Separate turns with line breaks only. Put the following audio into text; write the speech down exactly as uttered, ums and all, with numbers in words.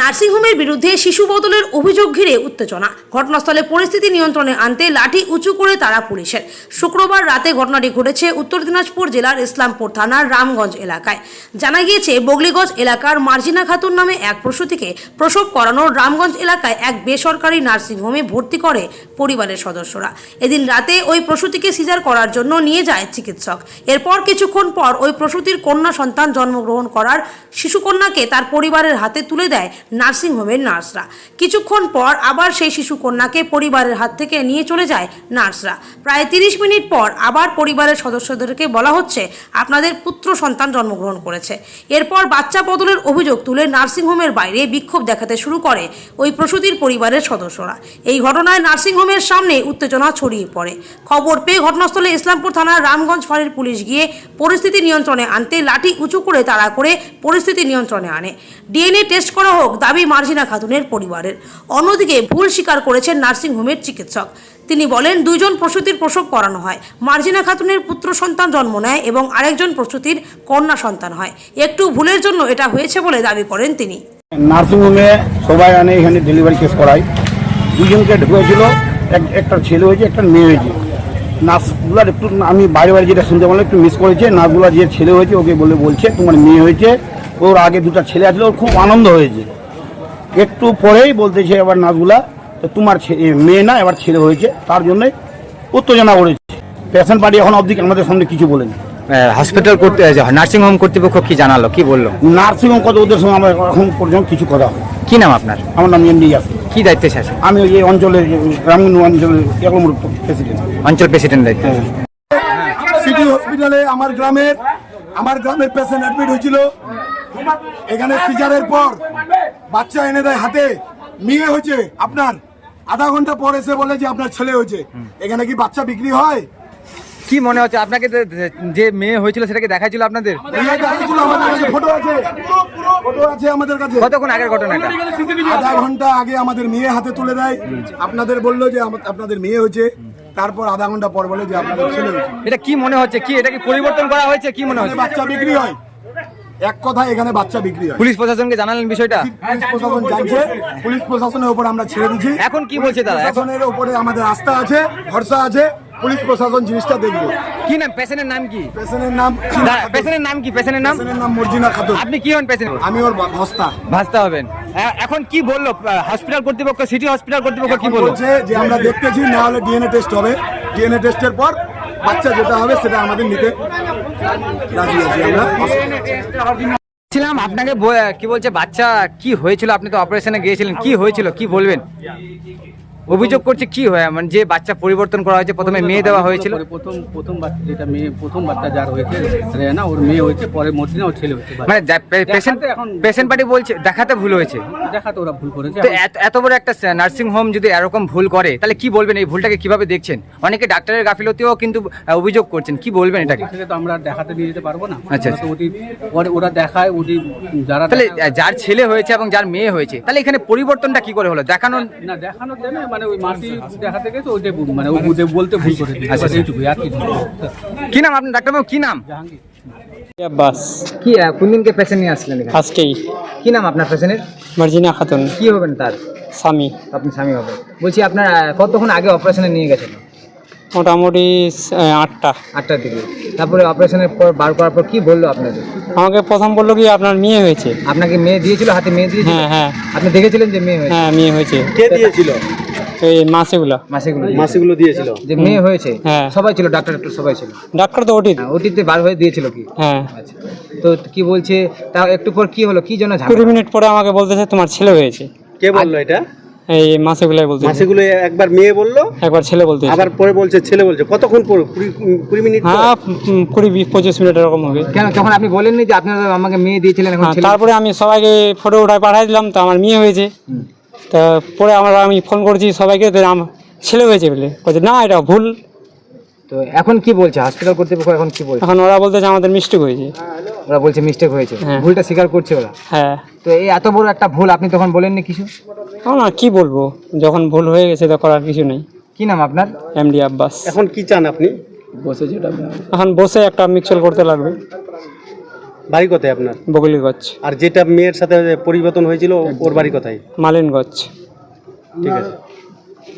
নার্সিংহোমের বিরুদ্ধে শিশু বদলের অভিযোগ ঘিরে উত্তেজনা। ঘটনাস্থলে পরিস্থিতি নিয়ন্ত্রণে আনতে লাঠি উঁচু করে তারা পুলিশের। শুক্রবার রাতে ঘটনাটি ঘটেছে উত্তর দিনাজপুর জেলার ইসলামপুর থানার রামগঞ্জ এলাকায়। জানা গিয়েছে, বগলিগঞ্জ এলাকার মার্জিনা খাতুন নামে এক প্রসূতিকে প্রসব করানোর রামগঞ্জ এলাকায় এক বেসরকারি নার্সিংহোমে ভর্তি করে পরিবারের সদস্যরা। এদিন রাতে ওই প্রসূতিকে সিজার করার জন্য নিয়ে যায় চিকিৎসক। এরপর কিছুক্ষণ পর ওই প্রসূতির কন্যা সন্তান জন্মগ্রহণ করার শিশুকন্যাকে তার পরিবারের হাতে তুলে দেয় নার্সিংহোমের নার্সরা। কিছুক্ষণ পর আবার সেই শিশুকন্যাকে পরিবারের হাত থেকে নিয়ে চলে যায় নার্সরা। প্রায় তিরিশ মিনিট পর আবার পরিবারের সদস্যদেরকে বলা হচ্ছে, আপনাদের পুত্র সন্তান জন্মগ্রহণ করেছে। এরপর বাচ্চা বদলের অভিযোগ তুলে নার্সিংহোমের বাইরে বিক্ষোভ দেখাতে শুরু করে ওই প্রসূতির পরিবারের সদস্যরা। এই ঘটনায় নার্সিংহোমের সামনে উত্তেজনা ছড়িয়ে পড়ে। খবর পেয়ে ঘটনাস্থলে ইসলামপুর থানার রামগঞ্জ ফাঁড়ির পুলিশ গিয়ে পরিস্থিতি নিয়ন্ত্রণে আনতে লাঠি উঁচু করে তাড়া করে পরিস্থিতি নিয়ন্ত্রণে আনে। ডিএনএ টেস্ট করা হোক দাবি মার্জিনা খাতুনের পরিবারের। অন্যদিকে ভুল স্বীকার করেছেন নার্সিংহোমের চিকিৎসক। তিনি বলেন, দুইজন প্রসূতির প্রসব করানো হয়। মার্জিনা খাতুনের পুত্র সন্তান জন্ম নেয় এবং আরেকজন প্রসূতির কন্যা সন্তান হয়। একটু ভুলের জন্য এটা হয়েছে বলে দাবি করেন তিনি।
নার্সিংহোমে সবাই আনে, এখানে ডেলিভারি কেস করায়। দুজনকে ঢুকেছিল, একটা ছেলে হয়েছে, একটা মেয়ে হয়েছে। নার্সগুলার একটু আমি বাইরে বাইরে যেটা শুনতে পারলাম একটু মিস করেছে। নার্সগুলা যে ছেলে হয়েছে ওকে বলে বলছে তোমার মেয়ে হয়েছে। ওর আগে দুটা ছেলে আসলে ওর খুব আনন্দ হয়েছে। একটু পরেই বলতেছে এবার নার্সগুলা তোমার মেয়ে না এবার ছেলে হয়েছে, তার জন্যে উত্তেজনা করেছে। পেশেন্ট পার্টি এখন অবধি আমাদের সামনে কিছু বলেনি।
হসপিটাল করতে নার্সিংহোম কর্তৃপক্ষ কি জানালো, কি বললো?
নার্সিংহোম কত ওদের সঙ্গে আমার এখন পর্যন্ত কিছু কথা হয়।
কি নাম আপনার?
আমার নাম এমডি আছে।
কি দায়িত্বে আছে?
আমি এই অঞ্চলের রামগঞ্জ অঞ্চলের এক নম্বর প্রেসিডেন্ট।
অঞ্চল প্রেসিডেন্ট দায়িত্ব।
সিটি হসপিটালে আমার গ্রামের আমার গ্রামের পেশেন্ট অ্যাডমিট হয়েছিল। এখানে সিজারের পর বাচ্চা এনে দেয় হাতে, মেয়ে হয়েছে আপনার। আধা ঘন্টা পর এসে বলে যে আপনার ছেলে হয়েছে। এখানে কি বাচ্চা বিক্রি হয়?
কি মনে হচ্ছে আপনাকে যে মেয়ে হয়েছিল সেটাকে দেখাইছিল আপনাদের?
ফটো আছে, ফটো আছে আমাদের কাছে।
কতক্ষণ আগের ঘটনা এটা?
আধা ঘন্টা আগে আমাদের মেয়ে হাতে তুলে দেয়। আপনাদের বললো যে আপনাদের মেয়ে হয়েছে, তারপর আধা ঘন্টা পর বলে যে আপনাদের ছেলে হয়েছে।
এটা কি মনে হচ্ছে, কি এটা কি পরিবর্তন করা হয়েছে? কি মনে হচ্ছে?
বাচ্চা বিক্রি হয়, এক কথা এখানে বাচ্চা বিক্রি হয়।
পুলিশ প্রশাসনকে জানালেন বিষয়টা?
পুলিশ প্রশাসন জানছে, পুলিশ প্রশাসনের উপর আমরা ছেড়ে দিচ্ছি।
এখন কি বলছে তারা?
প্রশাসনের উপরে আমাদের আস্থা আছে, ভরসা আছে। পুলিশ প্রশাসন জিনিসটা দেখবে।
কি নাম পেশেন্টের নাম? কি
পেশেন্টের নাম?
পেশেন্টের নাম কি? পেশেন্টের নাম?
পেশেন্টের নাম মর্জিনা খাতুন।
আপনি কি হন পেশেন্ট?
আমি ওর ভাস্তা।
ভাস্তা হবেন। এখন কি বললো হসপিটাল কর্তৃপক্ষ, সিটি হসপিটাল কর্তৃপক্ষ কি বললো?
বলছে যে আমরা দেখতেছি, না হলে ডিএনএ টেস্ট হবে। ডিএনএ টেস্টের পর বাচ্চা যেটা হবে সেটা আমাদের নিতে রাজি আছি আমরা।
ছিলাম আপনাকে কি বলছে বাচ্চা কি হয়েছিল? আপনি তো অপারেশনে গিয়েছিলেন, কি হয়েছিল কি বলবেন? অভিযোগ করছে কি হয় মানে যে বাচ্চা পরিবর্তন করা হয়েছে, প্রথমে মেয়ে দেওয়া হয়েছিল।
প্রথম প্রথম বাচ্চা যেটা মেয়ে, প্রথম বাচ্চা যার হয়েছে রেনা, ওর মেয়ে হয়েছে, পরে মর্জিনা ওর ছেলে হয়েছে।
মানে পেশেন্ট পেশেন্ট পার্টি বলছে দেখাতে ভুল হয়েছে।
দেখাতে ওরা ভুল করেছে।
তো এত বড় একটা নার্সিং হোম যদি এরকম ভুল করে তাহলে কি বলবেন? এই ভুলটাকে কিভাবে দেখছেন? অনেকে ডাক্তারের গাফিলতিও কিন্তু অভিযোগ করছেন, কি বলবেন এটাকে?
সেটা তো আমরা দেখাতে নিয়ে যেতে পারবো না।
আচ্ছা,
ওটি পরে ওরা দেখায়, ওটি যারা
তাহলে যার ছেলে হয়েছে এবং যার মেয়ে হয়েছে, তাহলে এখানে পরিবর্তনটা কি করে হলো? দেখানো
না, দেখানোর জন্য মানে ওই মাসি দেখাতে গেছে, ওইটাই মানে ও বলতে ভুল করে দিয়েছে। এইটুকুই, আর কিছু।
কি নাম আপনার ডাক্তারবাবু? কি নাম?
জাহাঙ্গীর।
বাস কি কোন দিনকে পেশেন্ট নিয়ে আসলেন এখানে?
আজকেই।
কি নাম আপনার পেশেন্টের?
মার্জিনা খাতুন।
কি হবেন তার?
স্বামী।
আপনি স্বামী হবেন। বলছি আপনার কতক্ষণ আগে অপারেশনে নিয়ে গেছেন?
মোটামুটি আটটা
আটটার দিকে। তারপরে অপারেশনের পর বার করার পর কি বললো আপনাদের?
আমাকে প্রথম বললো কি আপনার মেয়ে হয়েছে।
আপনাকে মেয়ে দিয়েছিল, হাতে মেয়ে দিয়েছিল?
হ্যাঁ হ্যাঁ।
আপনি দেখেছিলেন যে মেয়ে হয়েছে?
হ্যাঁ মেয়ে হয়েছে।
কে দিয়েছিল?
এই মাসেগুলো
মাসেগুলো
মাসিগুলো দিয়েছিল
যে মেয়ে হয়েছে?
হ্যাঁ
সবাই ছিল, ডাক্তার ডাক্তার সবাই ছিল।
ডাক্তার তো ওটি
ওটিতে বার হয়ে দিয়েছিল কি?
হ্যাঁ।
আচ্ছা, তো কি বলছে তা একটু পর কি হলো, কি জন্য?
কুড়ি মিনিট পরে আমাকে বলতেছে তোমার ছেলে হয়েছে।
কে বললো এটা?
এই মাসেগুলাই বলতে।
মাসিগুলো একবার মেয়ে বললো,
একবার ছেলে বলতে,
আবার পরে বলছে ছেলে বলছে। কতক্ষণ পর? কুড়ি মিনিট?
হ্যাঁ কুড়ি পঁচিশ মিনিট এরকম হবে।
কেন তখন আপনি বলেননি যে আপনারা আমাকে মেয়ে দিয়েছিলেন? এখন
তারপরে আমি সবাইকে ফটো উঠায় পাঠাই দিলাম, তো আমার মেয়ে হয়েছে। তা পরে আমরা আমি ফোন করছি সবাইকে, আমার ছেলে হয়েছে বলে বলছে না এটা ভুল।
তো এখন কি বলছে হসপিটাল কর্তৃপক্ষ? এখন কি বলছে?
এখন ওরা বলতেছে আমাদের মিস্টেক হয়েছে।
ওরা বলছে মিস্টেক হয়েছে, ভুলটা স্বীকার করছে ওরা।
হ্যাঁ।
তো এই এত বড় একটা ভুল আপনি তখন বলেননি কিছু?
না কি বলবো, যখন ভুল হয়ে গেছে তো করার কিছু নেই।
কি নাম আপনার?
এমডি আব্বাস।
এখন কি চান আপনি?
বসে যেটা এখন বসে একটা মিক্সচার করতে লাগবে।
বাড়ি কোথায় আপনার?
বগলিগঞ্জ,
আর যেটা মেয়ের সাথে পরিবর্তন হয়েছিল ওর বাড়ি কোথায়?
মালিনগঞ্জ।
ঠিক আছে।